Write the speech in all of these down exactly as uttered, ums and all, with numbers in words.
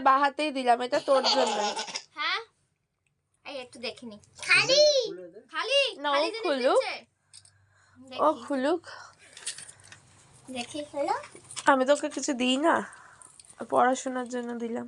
বাহাতেই দিলাম, এটা তোর জন্য। হ্যাঁ এই একটু দেখিনি খালি খালি না ও খুলুক, ও খুলুক দেখি হলো। আমি তোকে কিছু দিই না, পড়াশোনার জন্য দিলাম।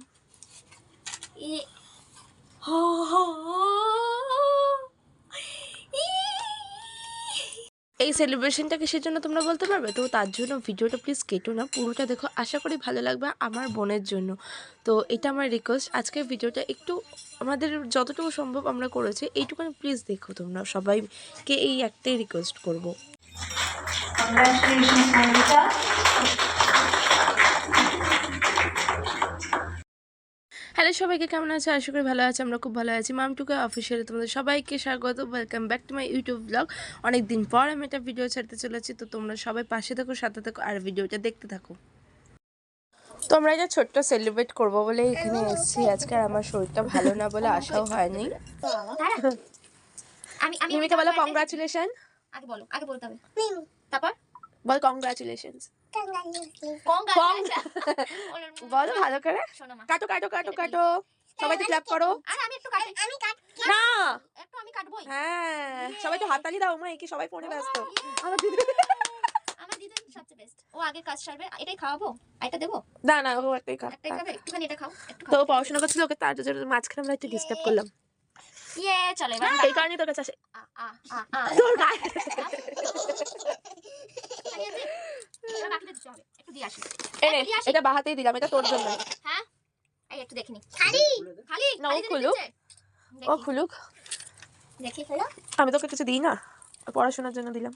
এই সেলিব্রেশনটা কিসের জন্য তোমরা বলতে পারবে? তো তার জন্য ভিডিওটা প্লিজ কেটো না, পুরোটা দেখো, আশা করি ভালো লাগবে আমার বোনের জন্য। তো এটা আমার রিকোয়েস্ট, আজকের ভিডিওটা একটু আমাদের যতটুকু সম্ভব আমরা করেছি এইটুকুনি প্লিজ দেখো তোমরা সবাইকে, এই একটাই রিকোয়েস্ট করবো। হ্যালো সবাইকে, কেমন আছে? আশা করি ভালো আছে, আমরা খুব ভালো আছি। মামটুকা অফিসিয়ালে তোমাদের সবাইকে স্বাগত, welcome back to my YouTube blog. অনেক দিন পর আমি একটা ভিডিও ছাড়তে চলেছি, তো তোমরা সবাই পাশে থাকো, সাথে থাকো আর ভিডিওটা দেখতে থাকো। তো আমরা এটা ছোট্ট সেলিব্রেট করবো বলে এখানে এসেছি আজকে, আর আমার শরীরটা ভালো না বলে আসাও হয়নি। মিমিকে বলো কংগ্রাচুলেশন। আগে বলো, আগে বলতে হবে, তারপর বল কংগ্রাচুলেশন। বলো ভালো করে, কাটো কাটো কাটো কাটো, সবাই তো ক্ল্যাপ করো। আমি একটু কাটি, আমি কাট না একটু আমি কাটবই। হ্যাঁ সবাই তো হাততালি দাও, মা একে সবাই ফোনে ব্যস্ত। আমার দিদি আমার দিদি সবচেয়ে বেস্ট, ও আগে কাজ সারবে। এটাই খাওয়াবো, এটা দেবো না না ও একটাই খা, একটাই খাবে, একটুখানি এটা খাও, একটু তো খাও। পড়াশোনা করছিল, ওকে তার জন্য মাঝখানে আমরা একটু ডিস্টার্ব করলাম। ইয়ে চলে এবার এই কারণে তোর কাছে আসে। আ আ আ আ তোর গায়ে এবার বাকিটা দিতে হবে, একটু দিয়ে আসি। এনে এটা বাহাতেই দিলাম, এটা তোর জন্য। হ্যাঁ এই একটু দেখিনি খালি খালি না ও খুলুক, ও খুলুক দেখি হলো। আমি তোকে কিছু দিই না, পড়াশোনার জন্য দিলাম।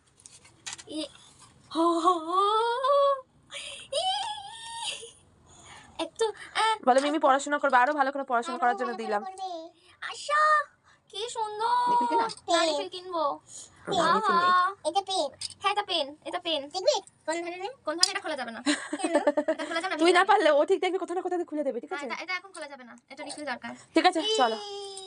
একটু বলো মিমি পড়াশোনা করবে, আরো ভালো করে পড়াশোনা করার জন্য দিলাম। আশা কি সুন্দর, নারিকেল কিনবো। এটা পেন, হ্যাঁ এটা পেন, এটা পেন দেখবি কোন ধরনের, কোন ধরনের? এটা খোলা যাবে না, এটা খোলা যাবে না। তুই না পারলে ও ঠিক দেখবি, কোথাও না কোথাও খুলে দেবে, ঠিক আছে? এটা এখন খোলা যাবে না, এটা রিফিল দরকার। ঠিক আছে চলো।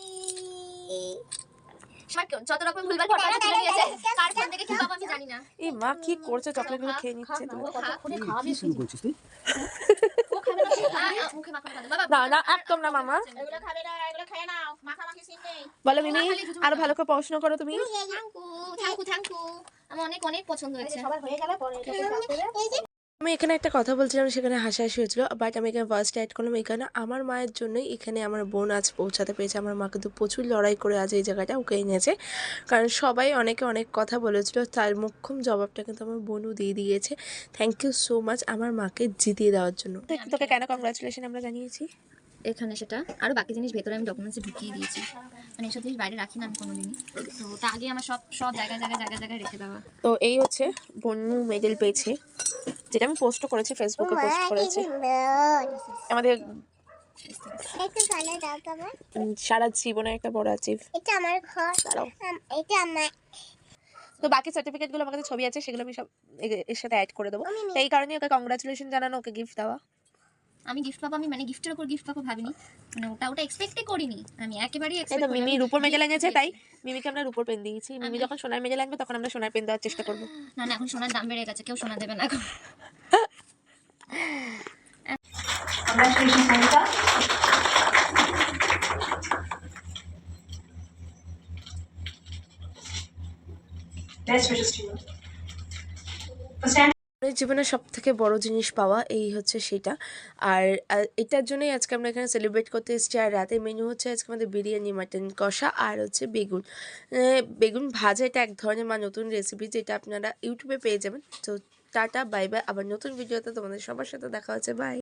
যত রকম ভুলভাল ফটো তুলে নিয়েছে, কার ফোন থেকে কি বাবা আমি জানি না। এই মা কি করছে, চকলেটগুলো খেয়ে নিচ্ছে। তুমি কি শুরু করছিস তুই? ও খাবে না, মুখে মাখা খাবে বাবা। না না একদম না মামা, এগুলো খাবে না, এগুলো খেয়ে নাও, মাখা মাখি সিন নেই। বলো মিমি আরো ভালো করে পড়াশোনা করো তুমি। থ্যাঙ্কু থ্যাঙ্কু থ্যাঙ্কু, আমার অনেক অনেক পছন্দ হয়েছে। সবার হয়ে গেলে পরে এটা করবে। আমি এখানে একটা কথা বলছিলাম, সেখানে হাসাহাসি হয়েছিল, বাট আমি এখানে ফার্স্ট অ্যাড করলাম। এখানে আমার মায়ের জন্যই এখানে আমার বোন আজ পৌঁছাতে পেরেছে। আমার মা কিন্তু প্রচুর লড়াই করে আজ এই জায়গাটা ওকে এনেছে, কারণ সবাই অনেকে অনেক কথা বলেছিল, তার মোক্ষম জবাবটা কিন্তু আমার বোনও দিয়ে দিয়েছে। থ্যাংক ইউ সো মাচ আমার মাকে জিতিয়ে দেওয়ার জন্য। তোকে কেন কংগ্রাচুলেশন আমরা জানিয়েছি এখানে, সেটা আরো বাকি জিনিস ভেতরে আমি ডকুমেন্টসে ঢুকিয়ে দিয়েছি, মানে এসব জিনিস বাইরে রাখি না আমি কোনোদিনই। তো তা আগে আমার সব সব জায়গায় জায়গায় জায়গায় জায়গায় রেখে দেওয়া। তো এই হচ্ছে বন্যু মেডেল পেয়েছে, যেটা আমি পোস্ট করেছি, ফেসবুকে পোস্ট করেছি। আমাদের সারা জীবনের একটা বড় অ্যাচিভ। এটা আমার ঘর, এটা আমার। তো বাকি সার্টিফিকেট গুলো আমার কাছে ছবি আছে, সেগুলো আমি সব এর সাথে অ্যাড করে দেবো। তো এই কারণে ওকে কংগ্রাচুলেশন জানানো, ওকে গিফট দেওয়া। আমি গিফট পাবো, আমি মানে গিফটের উপর গিফট পাবো ভাবিনি, মানে ওটা ওটা এক্সপেক্টই করিনি আমি, একেবারেই এক্সপেক্ট করিনি। মিমি রূপোর মেডেল এনেছে, তাই মিমিকে আমরা রূপোর পেন দিয়েছি। মিমি যখন সোনার মেডেল আনবে তখন আমরা সোনার পেন দেওয়ার চেষ্টা করবো। না না এখন সোনার দাম বেড়ে গেছে, কেউ সোনা দেবে না এখন। জীবনের সব থেকে বড় জিনিস পাওয়া এই হচ্ছে সেটা। আর এটার জন্যই আজকে আমরা এখানে সেলিব্রেট করতে এসেছি। আর রাতে মেনু হচ্ছে আজকে আমাদের বিরিয়ানি, মাটন কষা আর হচ্ছে বেগুন বেগুন ভাজা। এটা এক ধরনের মা নতুন রেসিপি, যেটা আপনারা ইউটিউবে পেয়ে যাবেন। তো টাটা বাই বাই, আবার নতুন ভিডিওতে তোমাদের সবার সাথে দেখা হচ্ছে, বাই।